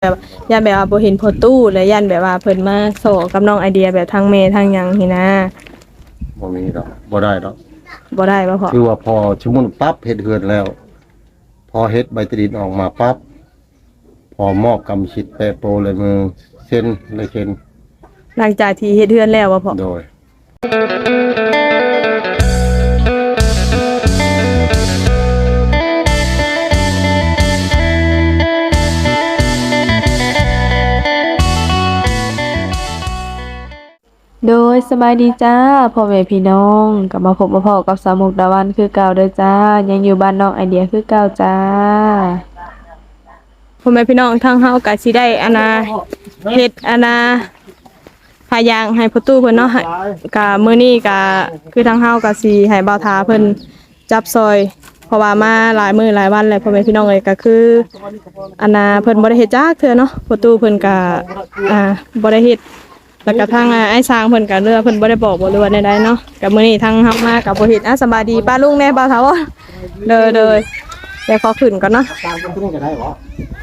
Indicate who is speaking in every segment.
Speaker 1: แบบย่านแบบว่าบ่เห็นพอตู้และย่านแบบว่าเพิ่นมาโซกับน้องไอเดียแบบทางเมทางหยังนี่นะ
Speaker 2: บ่มีดอกบ่ได้ดอก
Speaker 1: บ่ได้บ่พอ
Speaker 2: คือว่าพอชุมุนปั๊บเฮ็ดเฮือนแล้ว พอเฮ็ดใบตดินออกมาปั๊บพอมอบกรรมสิทธิ์แปะโปรเลยมือเซ็นเลยเซ็น
Speaker 1: หลังจากที่เฮ็ดเฮือนแล้วบ่พอ
Speaker 2: โดย
Speaker 1: โดยสบายดีจ้าพ่อแม่พี่น้องกลับมาพบมาพอกับสาวมุกดาวันคือเก่าเด้อจ้ายังอยู่บ้านน้องไอเดียคือเก่าจ้าพ่อแม่พี่น้องทางเฮาก็สิได้เฮ็ดพายางให้พ่อตู้เพิ่นเนาะก็มื้อนี้ก็คือทางเฮาก็สิให้บ่าวทาเพิ่นจับซอยเพราะว่ามาหลายมื้อหลายวันแล้วพ่อแม่พี่น้องเอ้ยก็คือเพิ่นบ่ได้เฮ็ดจักเทื่อเนาะพ่อตู้เพิ่นก็บ่ได้เฮ็ดแล้วก็ทางไอ้ช้างเพิ่นก็เรือเพิ่นบ่ได้บอกบ่รู้ว่าใดๆเนาะก็มื้อนี้ทางเฮามาก็บ่เฮ็ดสบายดีป้าลุงแน่บ่าวทาบ่เด้อเดี๋ยวขอขึ้นก่อนเนาะ
Speaker 2: ตามคนนี้ก็ได้บ่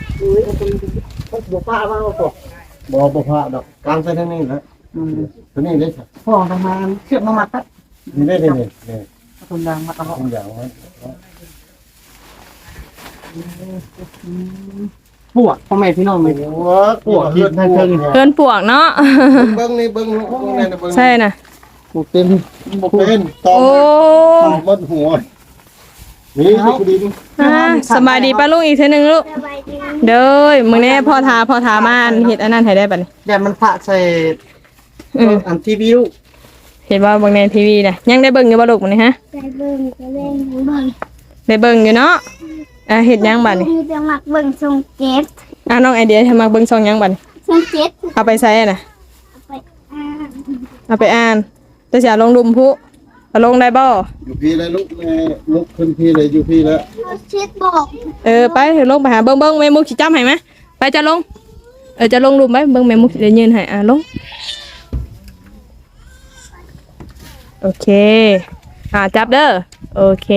Speaker 2: บ่พามาบ่พาดอกกลางใส่ทางนี้นะตัวนี้ได้
Speaker 3: พ่อทำงานเชื่อมมามัดครับ
Speaker 2: นี่ได้นี่
Speaker 3: ทุนยางมัดเอา
Speaker 2: ทุกอย่างมัน
Speaker 3: ปวดพ่อแม่พี่น้องเลย
Speaker 2: ปวดเฮือนทางเทิง
Speaker 1: เพิ่นปวกเนาะ
Speaker 2: เบิ่งนี่เบิ่งนั่นน่ะเบิ่ง
Speaker 1: ใช่น่ะ
Speaker 3: ปวดเต็ม
Speaker 2: บ่เป็นตอมหมดหัวนี่คือดิน
Speaker 1: สบายดีป้าลุงอีกเทื่อนึงลูกเด้อมื้อนี้พ่อทามาเฮ็ดอันนั้นให้ได้บัดนี้
Speaker 3: แต่มันพระใส่อันทีวิว
Speaker 1: เห็นว่าเบิ่งในทีวีน่ะยังได้เบิ่งอยู่บ่ลูกมื้อนี้ฮะ
Speaker 4: ได้เบิ่ง
Speaker 1: ได้เบิ่งอยู่เนาะเฮ็ดหยังบัดนี้
Speaker 4: มีแต่มักเบิ่งทรงเจ็ด
Speaker 1: น้องไอเดียทำมาเบิ่งช่องหยังบัดนี้
Speaker 4: ทรงเจ็ด
Speaker 1: เอาไปใส่น่ะ
Speaker 4: ไปอ่าน
Speaker 1: เอาไปอ่านแต่สิเอาลงดุมพุเอาลงได้บ่
Speaker 2: อยู่พี่แล้วลุกขึ้นพี่เลยอยู่พี่แล้ว
Speaker 4: เจ็ดบอก
Speaker 1: ไปเดี๋ยวลงไปหาเบิ่งแม่มุกสิจับให้มั้ยไปจะลงจะลงดุมไหมเบิ่งแม่มุกสิได้ยืนให้ลงโอเคจับเด้อโอเค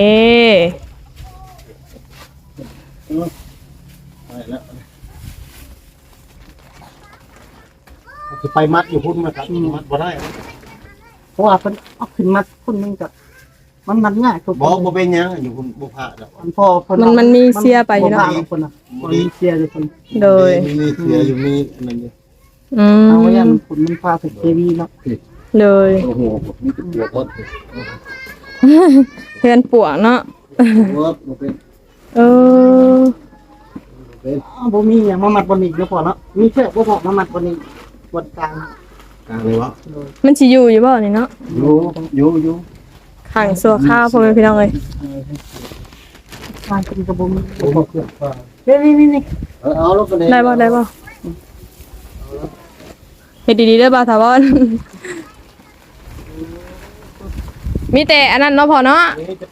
Speaker 2: จะไปมัดอยู่พุ่นมาครับมัดบ่ได้
Speaker 3: เพราะว่าเป็นเอาขึ้นมัดคนนึงกับมันง่าย
Speaker 2: บ่เป็นหยังอยู่พุ่นบ่พาดอก
Speaker 3: พ่อ
Speaker 1: มันมีเสียไปอยู่เนาะ
Speaker 3: คนน่ะมีเสียอยู่คน
Speaker 1: โดย
Speaker 2: มีเสียอยู่มีอันนั้นอยู่
Speaker 3: เอาไว้ยันคนมันพาถึงทีวีเนาะ
Speaker 1: เลย
Speaker 2: โอ้โหมีแต่เปียกหมด
Speaker 1: เพื่อนปวกเนาะ
Speaker 2: บ่เป็น
Speaker 3: บ่มีอย่างมามัดบนอีกแล้วพอเนาะมีแค่บ่พอมามัดบนอีกบนกลาง
Speaker 2: เลยวะ
Speaker 1: มันสิอยู่บ่นี่เนาะ
Speaker 2: อยู่
Speaker 1: ขังสัวข้าวพ่อแม่พี่น้องเอ้ย
Speaker 3: วางเป็นกระบุม
Speaker 1: นี่
Speaker 2: เอาลงกัน
Speaker 1: ได้บ่เฮ็ดดีๆเด้อบ่าวถาวรมีแต่อันนั้นเนาะพ่อเนาะ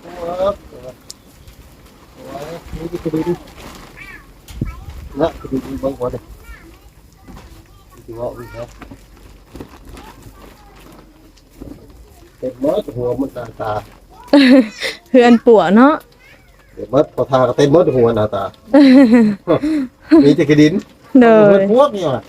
Speaker 2: นะคือดีบางหัวเด้ที่ว่าอุ้ยครับเต็มหมดหัวมันตา
Speaker 1: เพื่อนปวกเนาะ
Speaker 2: เต็มหมดพอทาก็เต็มหมดหัวหน้าตามีแต่กระดิน
Speaker 1: เด้อ
Speaker 2: พวกนี่ว่ะ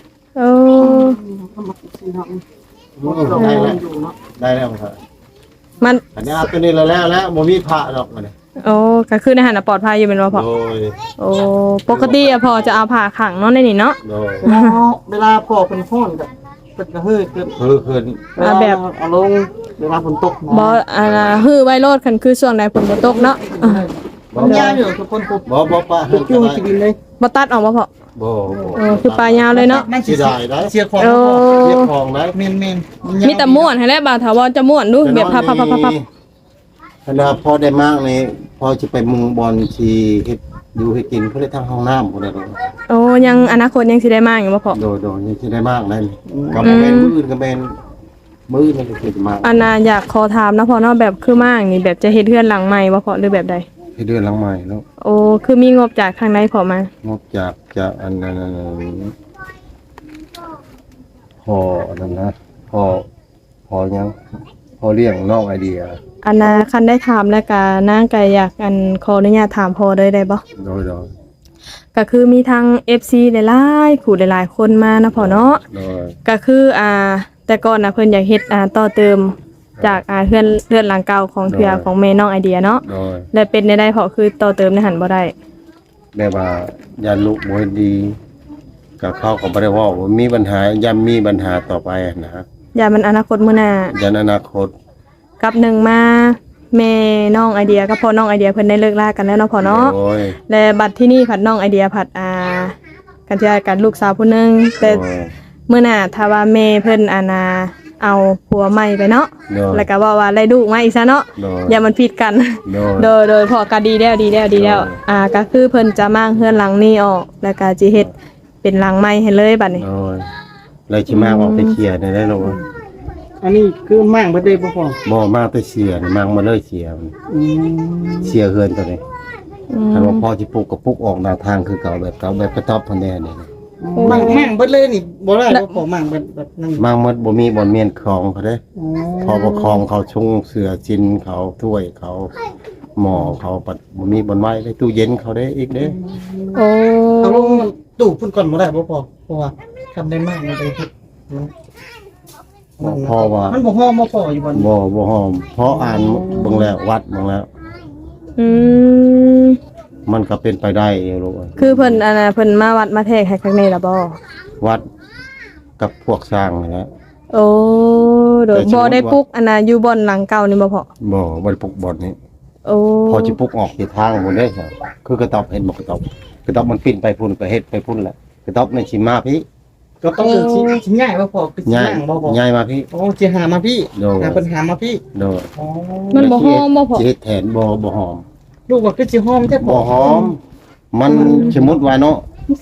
Speaker 2: ได้แล้วครับ
Speaker 1: มัน
Speaker 2: อันนี้ตัวนี้แล้วบ่มีพระดอกมัน
Speaker 1: ก็คือในหันปลอดภัยอยู่เป็นว่าพอปกติพอจะเอาผ่าขังเนาะในนี่เนาะ
Speaker 3: เวลาพอเป็นห้อนกับเป็นกระหืดเ
Speaker 2: กิน
Speaker 1: แบบ
Speaker 3: เอาลงเวลาฝนตก
Speaker 1: บ่ฮือไว้โลดคันคือช่วงใดฝนบ่ตกเนาะ
Speaker 3: ยาวอยู่ทุกคน
Speaker 2: บ่ปลา
Speaker 3: จุ่มกินเลย
Speaker 1: บ่ตัดออกบ่พอคือปลายาวเลยเนาะ
Speaker 2: เสียดายได้
Speaker 3: เสียของได้เมน
Speaker 1: มีแต่ม่วนให้แล้วบ่าวถาวรจะม่วนดูแบบพับ
Speaker 2: ขณะพอได้มากนี่พอจะไปมุงบอลที่เฮ็ดอยู่ให้กินเพื่อทางห้องน้ำพุ่นน่ะ
Speaker 1: ยังอนาคตยังสิได้มากอยู่บ่พอ
Speaker 2: โดยยังสิได้มากนั่นก็บ่แม่นมื้ออื่นก็แม่นมื้อนี่ก็สิมาก
Speaker 1: อยากขอถามนะพอเนาะแบบคือมากนี่แบบจะเฮ็ดเรือนหลังใหม่บ่พอหรือแบบใด
Speaker 2: เฮ็ดเรือนหลังใหม่แล้ว
Speaker 1: คือมีงบจากทางใดพอมาง
Speaker 2: บจากอันนั้นพอนั่นนะพอยังพอเลี้ยงน้องไอเดีย
Speaker 1: คันได้ถามแล้วก็นางก็อยากขออนุญาตถามพอได้บ่
Speaker 2: โดย
Speaker 1: ก็คือมีทั้ง FC หลายๆคู่หลายๆคนมานะพ่อเนาะ
Speaker 2: โดย
Speaker 1: ก็คือแต่ก่อนนะเพิ่นอยากเฮ็ดต่อเติมจากเฮือนหลังเก่าของเทือของแม่น้องไอเดียเนาะ
Speaker 2: โดย
Speaker 1: และเป็นได้เพราะคือต่อเติมในหันบ่ได้
Speaker 2: แบบว่ายันลูกบ่เฮ็ดดีก็เขาก็บ่ได้เว้าว่ามีปัญหาย่ำมีปัญหาต่อไปนะ
Speaker 1: อย่ามันอนาคตมื้อหน้า
Speaker 2: ยันอนาคต
Speaker 1: กับหนึ่งมาแม่น้องไอเดียกับพ่อน้องไอเดียเพิ่นได้เลิกลากันแล้วเนาะพ่อเนาะ
Speaker 2: โดย
Speaker 1: และบัดที่นี่ผัดน้องไอเดียผัดกันที่กันลูกสาวผู้หนึงแต่
Speaker 2: โดย
Speaker 1: มื้อหน้าถ้าว่าแม่เพิ่นเอาผัวใหม่ไปเนาะ
Speaker 2: โดย
Speaker 1: แล้วก็ว่าได้ลูกมาอีกซะเนาะ
Speaker 2: โดย
Speaker 1: อย่ามันผิดกัน
Speaker 2: โดย
Speaker 1: โดยพอก็ดีแล้วก็คือเพิ่นจะมั่งเฮือนหลังนี้ออกแล้วก็สิเฮ็ดเป็นหลังใหม่ให้เลยบัดนี้
Speaker 2: โดยเลยสิมาออกไปเคลียร์ได้ลูก
Speaker 3: อันนี้คือมั่งบ่ได้บ่พอ
Speaker 2: บ่มาไปเสียนี่มังมาเลยเสียมัน
Speaker 3: อืม
Speaker 2: เสียเฮือนตัวนี้
Speaker 1: อืม
Speaker 2: คันว่าพ่อสิปลูกก็ปลูกออกหน้าทางคือเก่าแบบกระต๊อบพันแน่นี่
Speaker 3: มั่งเบิดเลยนี่บ่ได้บ่พอมั่งเบิดแบบนั้น
Speaker 2: มังหมดบ่มีบ่อนเมียนคลองเขาเด้
Speaker 3: อ๋อ
Speaker 2: พอประคองเขาชงเสือจินเขาถ้วยเขาหม้อเขาปัดบ่มีบ่อนไว้ได้ตู้เย็นเขาได้อีกเด้
Speaker 1: โอ้
Speaker 3: เอาลงตู้พุ่นก่อนบ่ได้บ่พอเพราะว่าทำได้มากมันได้เฮ็ดมัน
Speaker 2: พ่อว่า
Speaker 3: มันบ่ฮ้อบ่พออยู่บ่
Speaker 2: บ่หอมเพราะอ่านเบิ่งแล้ววัดเบิ่งแล้ว
Speaker 1: อืม
Speaker 2: มันก็เป็นไปได้อยู่ลูก
Speaker 1: คือเพิ่นเพิ่นมาวัดมาแทกให้ข้างในล่ะบ่
Speaker 2: วัดกับพวกสร้างนี่แหละ
Speaker 1: โอ้โดย
Speaker 2: แต่สมมุติ
Speaker 1: บ่
Speaker 2: ว่า
Speaker 1: ได้ปลุกอยู่บ่อนหลังเก่านี่บ่พอ
Speaker 2: บ่ได้ปลูกบ่อนนี้
Speaker 1: โอ้
Speaker 2: พอสิปลูกออกที่ทางบ่ได้ครับคือกระต๊อบเห็นบ่กระต๊อบมันปิ้นไปพุ่นก็เฮ็ดไปพุ่นแหละกระต๊อบในสิมาพี่
Speaker 3: ก็ต้องเป็นชิ้นใหญ่บ่พอคือชิ้น
Speaker 2: ย้าย
Speaker 3: ล่างบ่พอ
Speaker 2: ย้ายมาพี่
Speaker 3: โอ้สิหามาพี่
Speaker 2: โดย
Speaker 3: หาปัญหามาพี่
Speaker 2: โดย
Speaker 3: อ๋อ
Speaker 1: มันบ่หอมบ่พอ
Speaker 2: สิเฮ็ดแทนบ่หอม
Speaker 3: ลูกว่าคือสิหอมแท้พ
Speaker 2: บ่
Speaker 3: อ
Speaker 2: หอม มันสมมุติว่าเนาะ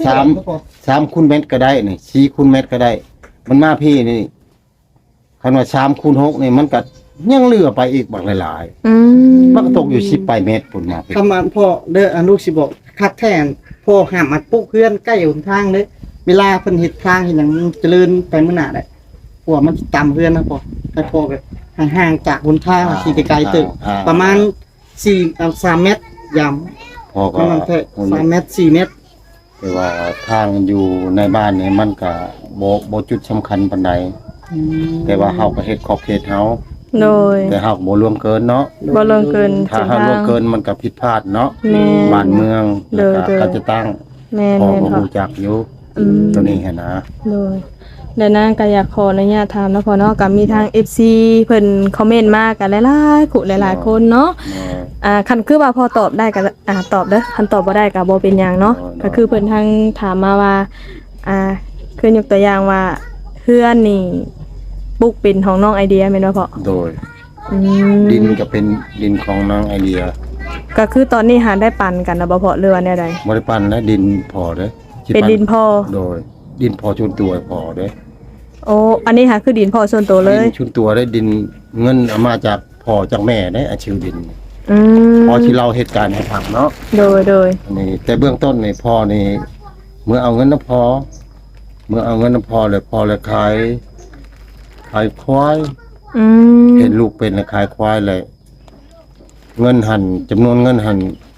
Speaker 2: 3คูณเมตรก็ได้นี่4คูณเมตรก็ได้ มันมาพี่นี่คันว่า3คูณ6นี่มันก็ยังเหลือไปอีกบักหลาย
Speaker 1: อืม
Speaker 2: ๆมันก็ตกอยู่10ปลายเมตรพุ่นมาพี่
Speaker 3: คำว่าพ่อเด้อลูกสิบอกคักแท้นพ่อห้ามอัดปุ๊กเพื่อนใกล้หนทางเด้อเวลาเพิ่นเฮ็ดทางเฮ็ดหยังเจริญไปมื้อหน้าได้เพราะว่ามันสิตามเพื่อนนะพ่อให้พ่อแบบห่างๆจากหนทางสิไกลๆตึกประมาณ3 เมตรยาม
Speaker 2: พอ
Speaker 3: ป
Speaker 2: ก็
Speaker 3: ระมาณแค่3 เมตร 4 เมตร
Speaker 2: แต่ว่าทางอยู่ในบ้านนี่มันก็บ่จุดสำคัญปานใดแต่ว่าเฮาก็เฮ็ดขอบเขตเฮา
Speaker 1: โดย
Speaker 2: แต่เฮาก็บ่ล่วงเกินเนาะ
Speaker 1: บ่ลงเกิน
Speaker 2: ถ้า
Speaker 1: เส้น
Speaker 2: เฮา
Speaker 1: ทา
Speaker 2: ล่ว
Speaker 1: ง
Speaker 2: งเกินมันก็ผิดพลาดเนาะ
Speaker 1: แม่
Speaker 2: บ้านเมือง
Speaker 1: เด้อ
Speaker 2: แล้วก็
Speaker 1: เด้อ
Speaker 2: ก็จะตั้ง
Speaker 1: แม่น
Speaker 2: พอ
Speaker 1: แม่น
Speaker 2: ก็
Speaker 1: พอ
Speaker 2: รู้จักอยู่
Speaker 1: อืม
Speaker 2: ตัวนี้หันนะ
Speaker 1: โดยแล้วนางก็อยากขออนุญาตถามแล้วพอเนาะก็มีทาง FC เพิ่นคอมเมนต์มากันหลายๆคู่หลายๆคนเนาะ คันคือว่าพอตอบได้ก็ตอบเด้อคันตอบบ่ได้ก็บ่เป็นหยังเนาะก็คือเพิ่นทางถามมาว่าคือยกตัวอย่างว่าเพื่อนนี่ปลูกเป็นของน้องไอเดียแม่นบ่พ่อ
Speaker 2: โดย
Speaker 1: อืม
Speaker 2: ดินก็เป็นดินของนางไอเดีย
Speaker 1: ก็คือตอนนี้หาได้ปันกันนะบ่พ่อหรือว่าแนวใด
Speaker 2: บ่ได้ปั้นและดินพอเด้อสิ
Speaker 1: เป็นดินพ่อ
Speaker 2: โดย ดินพอชุนตัวพอเด้อ
Speaker 1: โอ้อันนี้หาคือดินพ่อส่วนตัวเลย
Speaker 2: ดินชุนตัวได้ดินเงินเอามาจากพ่อจากแม่ได้อาชื่อดิน
Speaker 1: อืม
Speaker 2: พอที่เราเหตุการณ์ให้ฟังเนาะ
Speaker 1: โดย
Speaker 2: อันนี้แต่เบื้องต้นนี่พ่อนี่เมื่อเอาเงินน้ำพอเลยพอเลยขายควาย
Speaker 1: อืม
Speaker 2: เห็นลูกเป็นเลยขายควายเลย เงินหันจำนวนเงินหัน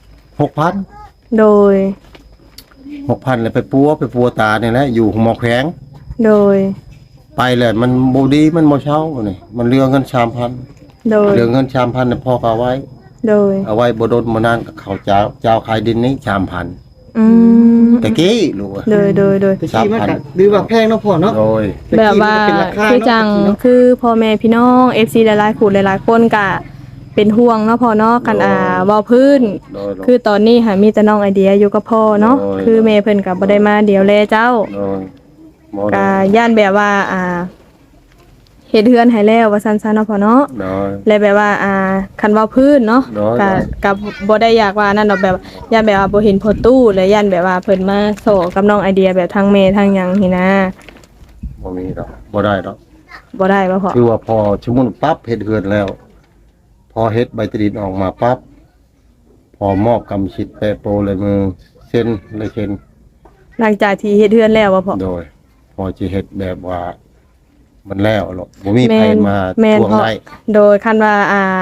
Speaker 2: 6,000
Speaker 1: โดย
Speaker 2: เลยไปปัวตาเนี่ยแหละอยู่หมอแขวง
Speaker 1: โดย
Speaker 2: ไปเลยมันบ่ดีมันบ่เช่านี่มันเหลือเงิน 3,000
Speaker 1: โดย
Speaker 2: เหลือเงิน 3,000เนี่ยพ่อก็เอาไว้
Speaker 1: โดย
Speaker 2: เอาไว้บ่โดนบ่นานก็เขาเจ้าขายดินนี้ 3,000
Speaker 1: อืม
Speaker 2: ตะกี้ลูกอะ
Speaker 1: โดย
Speaker 3: แต่ที่มันก็หรือว่าแพงเนาะพ่อเนาะ
Speaker 2: โดย
Speaker 1: แบบว่า
Speaker 3: แต่ที่มันก็เป็นราคา
Speaker 1: คือจัง
Speaker 3: เนาะ
Speaker 1: คือพ่อแม่พี่น้อง FC หลายๆคู่หลายๆคนก็เป็นห่วงเนาะพ่อเนาะกันเว้าพื้น
Speaker 2: โดย
Speaker 1: คือตอนนี้หามีแต่น้องไอเดียอยู่กับพ่อเนาะ
Speaker 2: โอ้ย
Speaker 1: คือแม่เพิ่นก็บ่ได้มาเดี๋ยวแลเจ้า
Speaker 2: โดยบ่
Speaker 1: ก็ย่านแบบว่าเฮ็ดเฮือนให้แล้วว่าซั่นๆเนาะพ่อเนาะ
Speaker 2: โดย
Speaker 1: และแบบว่าคันเว้าพื้นเนาะ
Speaker 2: โดย
Speaker 1: ก็บ่ได้อยากว่านั่นดอกแบบย่านแบบว่าบ่เห็นพอตู้และย่านแบบว่าเพิ่นมาโซกับน้องไอเดียแบบทางแม่ทางหยังนี่นะ
Speaker 2: บ่มีดอกบ่ได้ดอก
Speaker 1: บ่ได้บ่พ่อ
Speaker 2: คือว่าพอสมมุติปั๊บเฮ็ดเฮือนแล้ว พอเฮ็ดใบตรีนออกมาปั๊บพอมอบกำชิดแปะโปรเลยมือเซ็นเลยเซ็น
Speaker 1: หลังจากที่เฮ็ดเฮือนแล้วบ่พ่อ
Speaker 2: โดย พอสิเฮ็ดแบบว่า มันแล้วหรอกบ่มีใครมา
Speaker 1: แม่น
Speaker 2: ทวง
Speaker 1: พ่อ
Speaker 2: ได้
Speaker 1: โดยคันว่า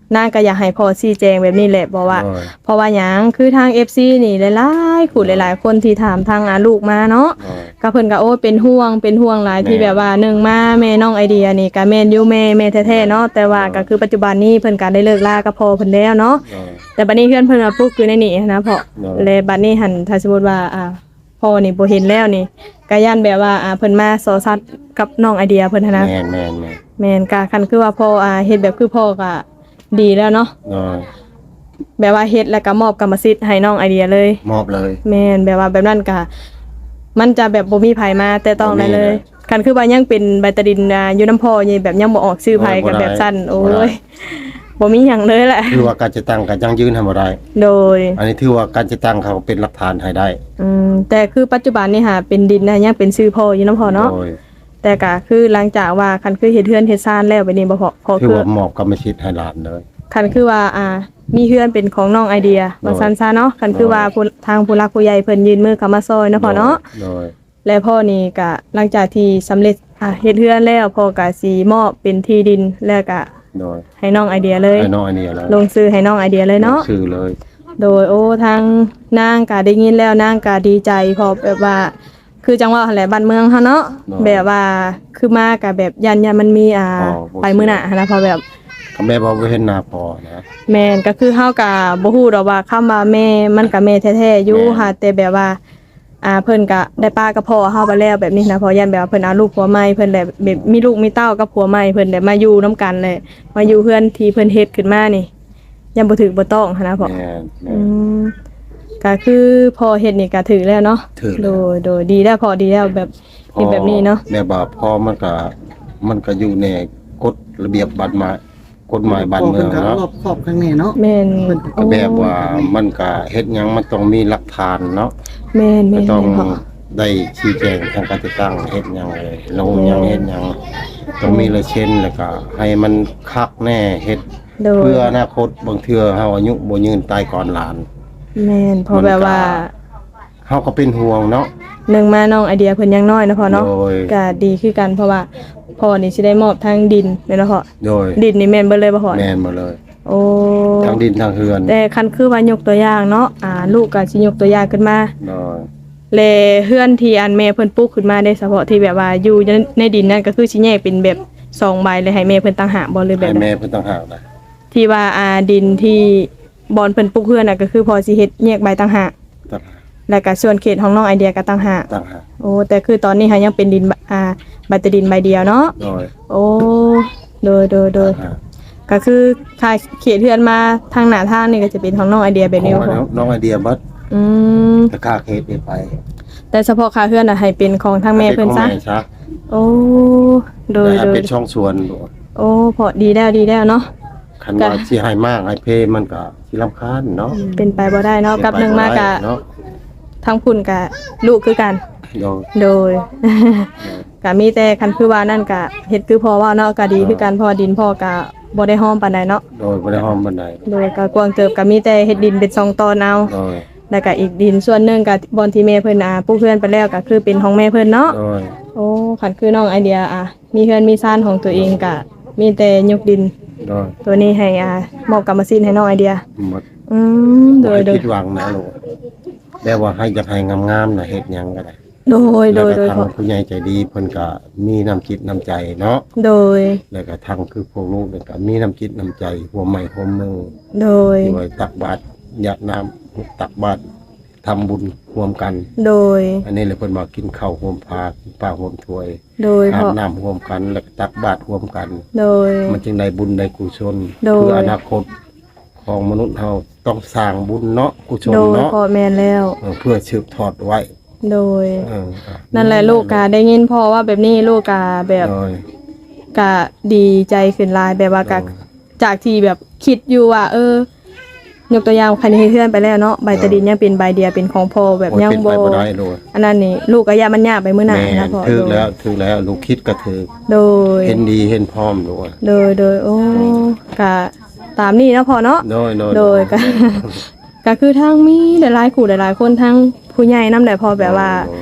Speaker 1: นางก็อยากให้พ่อชี้แจงแบบนี้แหละบอกว่า
Speaker 2: โดย
Speaker 1: เพราะว่าหยังคือทาง FC นี่หลายๆคู่หลายๆคนที่ถามทางลูกมาเนาะ
Speaker 2: โดย
Speaker 1: ก็เพิ่นก็โอ้เป็นห่วงหลายที่
Speaker 2: แม่
Speaker 1: แบบว่าหนึ่งมาแม่น้องไอเดียนี่ก็แม่นอยู่แม่แท้ๆเนาะแต่ว่าก็คือปัจจุบันนี้เพิ่นก็ได้เลิกลากับพ่อเพิ่นแล้วเนาะ
Speaker 2: โดย
Speaker 1: แต่บัดนี้เพื่อนเพิ่นมาปลูกอยู่ในนี่นะพ่อ
Speaker 2: เนาะ
Speaker 1: เลยบัดนี้หันถ้าสมมุติว่าพ่อนี่บ่เห็นแล้วนี่ก็ย่านแบบว่าเพิ่นมาสอสัตว์กับน้องไอเดียเพิ่นหั้นนะ
Speaker 2: แม่น
Speaker 1: แม่นก็คันคือว่าพ่อเฮ็ดแบบคือพ่อก็ดีแล้วเนาะ
Speaker 2: โดย
Speaker 1: แบบว่าเฮ็ดแล้วก็มอบกรรมสิทธิ์ให้น้องไอเดียเลย
Speaker 2: มอบเลย
Speaker 1: แม่นแบบว่าแบบนั้นก็มันจะแบบบ่มีไผมาแต่ต้องได้เลย
Speaker 2: บ่มี
Speaker 1: คันคือว่ายังเป็นใบตะดินอยู่น้ำพ่อนี่แบบยังบ่ออกชื่อไผกันแบบสั้นโอ้
Speaker 2: บ่ได้
Speaker 1: ยบ่มีหยังเลยแหละ
Speaker 2: ถือว่าการจะตั้งก็ยังยืนให้บ่ได้
Speaker 1: โดย
Speaker 2: อันนี้ถือว่าการจะตั้งเขาเป็นหลักฐานให้ได้
Speaker 1: แต่คือปัจจุบันนี่หาเป็นดินนะยังเป็นชื่อพ่ออยู่น้ำพ่อเนาะ
Speaker 2: โดย
Speaker 1: แต่ก็คือหลังจากว่าคันคือเฮ็ดเฮือนเฮ็ดซ่านแล้วไปนี่บ่พอ
Speaker 2: ถือ
Speaker 1: คือ
Speaker 2: ว่ามอบกรรมสิทธิ์ให้หลานเลย
Speaker 1: คันคือว่ามีเฮือนเป็นของน้องไอเดียว่าซั่นซะเนาะคันคือว่าทางผู้หลักผู้ใหญ่เพิ่นยื่นมือเข้ามาซอยเนาะพ่อเนาะ
Speaker 2: โดย
Speaker 1: และพ่อนี่ก็หลังจากที่สำเร็จเฮ็ดเฮือนแล้วพ่อก็สิมอบเป็นที่ดินแล้วก็
Speaker 2: โดย
Speaker 1: ให้น้องไอเดียเลย
Speaker 2: ไอ้น้องอันนี้แล้ว
Speaker 1: ลงซื้อให้น้องไอเดียเลยเนาะ
Speaker 2: ชื่อเลย
Speaker 1: โดยทางนางก็ได้ยินแล้วนางก็ดีใจเพอแบบว่า คือจังหวะหั่นแหละบ้านเมืองเฮาเนาะแบบว่าคือมาก็แบบยันมันมีไปมื้อหน้าหั้นนะเพอแบบ
Speaker 2: ก็แม่บอกว่าเห็นหน้าพอนะ
Speaker 1: แม่นก็คือเฮาก็บ่ฮู้ดอกว่าคำว่าแม่มันก็แม่แท้ๆอยู่
Speaker 2: แม่
Speaker 1: ค่ะแต่แบบว่าเพิ่นก็ได้ป้ากับพ่อเฮาไปแล้วแบบนี้นะเพอยันแบบว่าเพิ่นเอาลูกผัวใหม่เพิ่นได้แบบมีลูกมีเต้ากับผัวใหม่เพิ่นได้มาอยู่นํกันเลยมาอยู่เฮือนที่เพิ่นเฮ็ดขึ้นมานี่ยังบ่ถึกบ่ต้องหั้นนะพ่อ
Speaker 2: แม่
Speaker 1: อืมก็คือพอเฮ็ดนี่ก็ถือแล้วเนาะ
Speaker 2: ถือ
Speaker 1: โด
Speaker 2: แล้ว
Speaker 1: ยดีแล้วพอดีแล้วแบบเฮ็ดแบบนี้เนาะ
Speaker 2: แม่บอกพอมันก็อยู่ในกฎระเบียบบ้านไม้กฎหมายบ้านเมือง
Speaker 3: พ่พิ่
Speaker 2: เนาะ
Speaker 3: ก็รอบครอบข้างในเนาะ
Speaker 1: แม่น
Speaker 2: ก็แบบว่ามันก็เฮ็ดหยังมันต้องมีหลักฐานเนาะ
Speaker 1: แม่น
Speaker 2: ก็ต้อง
Speaker 1: พ่อ
Speaker 2: ได้ชี้แจงทางการติดตั้งเฮ็ดหยังเลยลงหยังเฮ็ดหยังต้องมีลายเซ็นแล้วก็ให้มันคักแน่เฮ็ด
Speaker 1: โดย
Speaker 2: เพื่ออนาคตบางเทื่อเฮาอายุบ่ยืนตายก่อนหลาน
Speaker 1: แม่นเพอแบบว่า
Speaker 2: เฮาก็เป็นห่วงเนาะ
Speaker 1: หนึ่งมาน้องไอเดียเพิ่นยังน้อยนะพ่อเนาะ
Speaker 2: โดย
Speaker 1: ก็ดีคือกันเพราะว่าพ่อนี่สิได้มอบทางดินแม่นบ่พ่อ
Speaker 2: โดย
Speaker 1: ดินนี่แม่นเบิดเลยบ่พ่อ
Speaker 2: แม่นหมดเลย
Speaker 1: โอ้
Speaker 2: ทั้งดินทั้งเฮือน
Speaker 1: แต่คันคือว่ายกตัวอย่างเนาะลูกก็สิยกตัวอย่างขึ้นมา
Speaker 2: โดย
Speaker 1: แลเฮือนที่อันแม่เพิ่นปลูกขึ้นมาได้เฉพาะที่แบบว่าอยู่ในดินนั่นก็คือสิแยกเป็นแบบ2ใบเลยให้แม่เพิ่นต่างหากบ่หรือแบบ
Speaker 2: ให้
Speaker 1: ใด
Speaker 2: แม่เพิ่นต่างหากนะ
Speaker 1: ที่ว่าดินที่บอนเพิ่นปลูกเฮือนน่ะก็คือพอสิเฮ็ดแยกใบต่างหาก
Speaker 2: ต่างหาก
Speaker 1: แล้วก็ส่วนเขตของน้องไอเดียก็ต่างหาก
Speaker 2: ต่างหาก
Speaker 1: โอ้แต่คือตอนนี้ค่ะยังเป็นดินใบแต่ดินใบเดียวเนาะ
Speaker 2: โดย
Speaker 1: โอ้โดย
Speaker 2: ต่างหาก
Speaker 1: ก็คือค่าเขตเฮือนมาทางหน้าทางนี่ก็จะเป็นของน้องไอเดียแบบนี้
Speaker 2: ขอ
Speaker 1: บ่
Speaker 2: น้องไอเดียบัด
Speaker 1: อืม
Speaker 2: ก็ค่าเฮ็ดนี่ไป
Speaker 1: แต่เฉพาะค่าเฮือนน่ะให้เป็นของทางแม่เพิ่นซะ
Speaker 2: ให้ป็ของแม่ซะ
Speaker 1: โอ้โดย
Speaker 2: แต่ให้เป็นช่องส่วน
Speaker 1: โอ้พอดีแล้วเนาะ
Speaker 2: คันว่าสิให้มากให้เพมันก็สิรำคาญเนาะ
Speaker 1: เป็นไปบ่ได้เนาะกับหนึงมากะ
Speaker 2: เนาะ
Speaker 1: ทั้งพุ่นกะลูกคือกัน
Speaker 2: โดย
Speaker 1: โดย ก็มีแต่คันคือว่านั่นก็เฮ็ดคือพ่อว่าเนาะก็ดีคือกันเพราะว่าดินพ่อก็บ่ได้ห้อมปานใดเนาะ
Speaker 2: โดยบ่ได้ห้อมบันได
Speaker 1: โดยก็กวางเติบก็มีแต่เฮ็ดดินเป็น2ตอนเอา
Speaker 2: โดย
Speaker 1: แล้วก็อีกดินส่วนหนึงก็บอนที่แม่เพิ่นปลูกเฮือนไปแล้วก็คือเป็นของแม่เพิ่นเนาะ
Speaker 2: โดย
Speaker 1: โอ้คันคือน้องไอเดียมีเฮือนมีซ่านของตัวเองก็มีแต่ยกดิน
Speaker 2: โดย
Speaker 1: ตัวนี้ให้มอบกรรมสิทธิ์ให้น้องไอเดีย
Speaker 2: หมด
Speaker 1: โด
Speaker 2: บ่
Speaker 1: ย
Speaker 2: ให้ผิดหวังนะลูกแบบว่าให้อยากให้งามๆน่ะเฮ็ดหยังก็ได้
Speaker 1: โดย
Speaker 2: แล้วก็
Speaker 1: โดย
Speaker 2: ทางผู้ใหญ่ใจดีเพิ่นก็มีน้ำจิตน้ำใจเนาะ
Speaker 1: โดย
Speaker 2: แล้วก็ทางคือพวกลูกเนี่ยก็มีน้ำจิตน้ำใจหัวใหม่หัวมือ
Speaker 1: โดย
Speaker 2: ที่ไว้ตักบาตรหยาดน้ำตักบาตรทำบุญร่วมกัน
Speaker 1: โดย
Speaker 2: อันนี้เลยเพิ่นมากินข้าวร่วมพากินปลาร่วมถ้วย
Speaker 1: โดย
Speaker 2: อา
Speaker 1: พ่
Speaker 2: บ
Speaker 1: อ
Speaker 2: น้ำร่วมกันแล้วก็ตักบาตรร่วมกัน
Speaker 1: โดย
Speaker 2: มันจึงได้บุญได้กุศล
Speaker 1: โดย
Speaker 2: เพื่ออนาคตของมนุษย์เฮาต้องสร้างบุญเนาะกุศล
Speaker 1: โดย
Speaker 2: เนาะ
Speaker 1: พ่อแม่นแล้ว
Speaker 2: เพื่อสืบทอดไว้
Speaker 1: โดย
Speaker 2: เออ
Speaker 1: นั่นแหละลูกกะได้ยินพ่อว่าแบบนี้ลูกกะแบบ
Speaker 2: โดย
Speaker 1: กะดีใจขึ้นหลายแบบว่ากะจากที่แบบคิดอยู่ว่ายกตัวอย่างคันนี้เพื่อนไปแล้วเนาะใบตะดินยังเป็นใบเดียวเป็นของพ่อแบบ
Speaker 2: โอ้ย
Speaker 1: ยัง
Speaker 2: เป็น
Speaker 1: บ่
Speaker 2: ไปบ่ได้เลย
Speaker 1: อันนั้นนี่ลูกก็ย่ามันยากไปมื้อหน้า
Speaker 2: แม่
Speaker 1: นะพ่อ
Speaker 2: ถือแล้วลูกคิดก็ถือ
Speaker 1: โดย
Speaker 2: เห็นดีเห็นพร้อมด้วย
Speaker 1: โดยโอ้กะตามนี้เนาะพ่อเนาะ โดยก็ ก็คือทางมีหลายๆคู่หลายๆคนทั้งผู้ใหญ่นำได้พอแบบว่า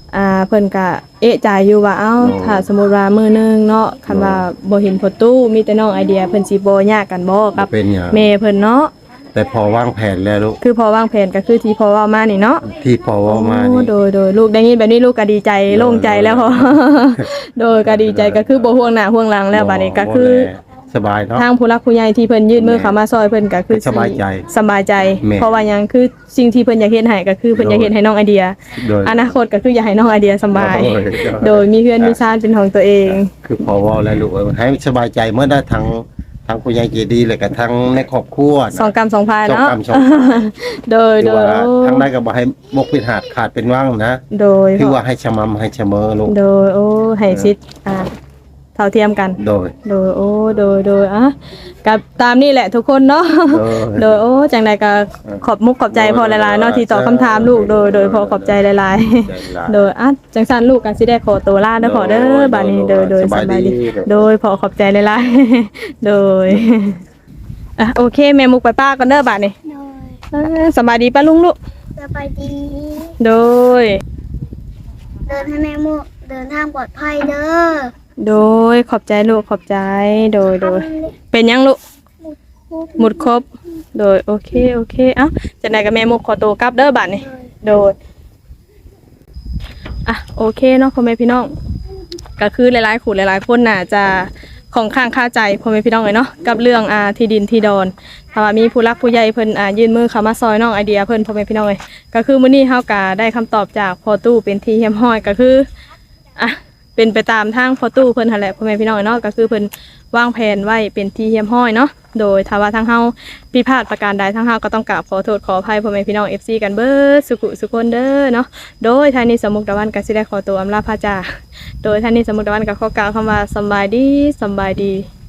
Speaker 1: เพิ่นก็เอะใจอยู่ว่าเอ้าถ้าสมมุติว่ามื้อนึงเนาะคันว่าบ่เห็นพ่อตู้มีแต่น้องไอเดียเพิ่นสิบ่ยากกันบ่กับ
Speaker 2: เป็นหยัง
Speaker 1: แม่เพิ่นเนาะ
Speaker 2: แต่พอวางแผนแล้วลูก
Speaker 1: คือพอวางแผนก็คือที่พอเว้ามานี่เนาะ
Speaker 2: ที่พอเว่ามา
Speaker 1: โอ้
Speaker 2: นี่
Speaker 1: โดยลูกได้ยินแบบนี้ลูกก็ดีใจโล่งใจแล้วพอ โดยก็ดีใจก็คือบ่ห่วงหน้าห่วงหลังแล้วบัดนี้ก็คือ
Speaker 2: สบายเนาะ
Speaker 1: ทางผู้รักผู้ใหญ่ที่เพิ่นยื่นมือเข้ามาซอยเพิ่นก็คือ
Speaker 2: สบายใจ
Speaker 1: สบายใจ
Speaker 2: แม่
Speaker 1: เพราะว่าหยังคือสิ่งที่เพิ่นอยากเฮ็ดให้ก็คือเพิ่นอยากเฮ็ดให้น้องไอเดีย
Speaker 2: โดย
Speaker 1: อนาคตก็คืออยากให้น้องไอเดียสบาย
Speaker 2: โดย
Speaker 1: โดยมีเพื่อนมีชาติเป็นของตัวเอง
Speaker 2: คือพอเว่าแล้วลูกให้สบายใจเมื่อได้ทั้งผู้ใหญ่ใจดีเลยกับทั้งในครอบครัวนะ
Speaker 1: สองกรรมสองพาย
Speaker 2: สอง
Speaker 1: เนาะ
Speaker 2: กรรมสองพาย
Speaker 1: โดย
Speaker 2: คือ
Speaker 1: โดย
Speaker 2: ว่า
Speaker 1: โอ้
Speaker 2: ทั้งได้ก็บ่ให้บกปิดหาดขาดเป็นว่างนะ
Speaker 1: โดย
Speaker 2: คือว่าให้ชะมำให้เสมอลูก
Speaker 1: โดยโอ้ให้ชิดเท่าเทียมกัน
Speaker 2: โดย
Speaker 1: โดยโอ้โดยกับตามนี่แหละทุกคนเนาะ โดยโอ้จังใดก็ขอบมุกขอบใจพอหลายๆเนาะที่ตอบคำถามลูกโดยพอขอบใจหลายๆ โดยจังซั่นลูกก็สิได้ขอตัวลาเด้อพอเด้อบัดนี้โดยสบายดีโดยพอขอบใจหลายๆ โดยโอเคแม่มุกไปป้ากันเด้อบัดนี้
Speaker 4: โดย
Speaker 1: สบายดีป้าลุงลูก
Speaker 4: สบายดี
Speaker 1: โดย
Speaker 4: เดินให้แม่มุกเดินทางปลอดภัยเด้อ
Speaker 1: โดยขอบใจลูกขอบใจโดยเป็นยังลูกหมดครบโดยโอเคจังใดก็แม่มุกขอตัวกลับเด้อบัดนี้โดยโอเคเนาะพ่อแม่พี่น้องก็คือหลายๆคนหลายๆคนน่ะจะของข้างคาใจพ่อแม่พี่น้องเลยเนาะกับเรื่องที่ดินที่ดอนถ้าว่ามีผู้รักผู้ใหญ่เพิ่นยื่นมือเข้ามาซอยน้องไอเดียเพิ่นพ่อแม่พี่น้องเลยก็คือมื้อนี้เฮาก็ได้คำตอบจากพ่อตู้เป็นที่เฮียมห้อยก็คือเป็นไปตามทางพ่อตู้เพิ่นหั่นแหละพ่อแม่พี่น้องเนาะก็คือเพิ่นวางแผนไว้เป็นที่เฮียมห้อยเนาะโดยถ้าว่าทางเฮาผิดพลาดประการใดทางเฮาก็ต้องกราบขอโทษขออภัยพ่อแม่พี่น้อง FC กันเบิดสุขคนเด้อเนาะโดยท่านนี้สมมุกตะวันก็สิได้ขอตัวอำลาพระจากโดยท่านนี้สมมุกตะวันก็ขอกล่าวคำว่าสำบายดี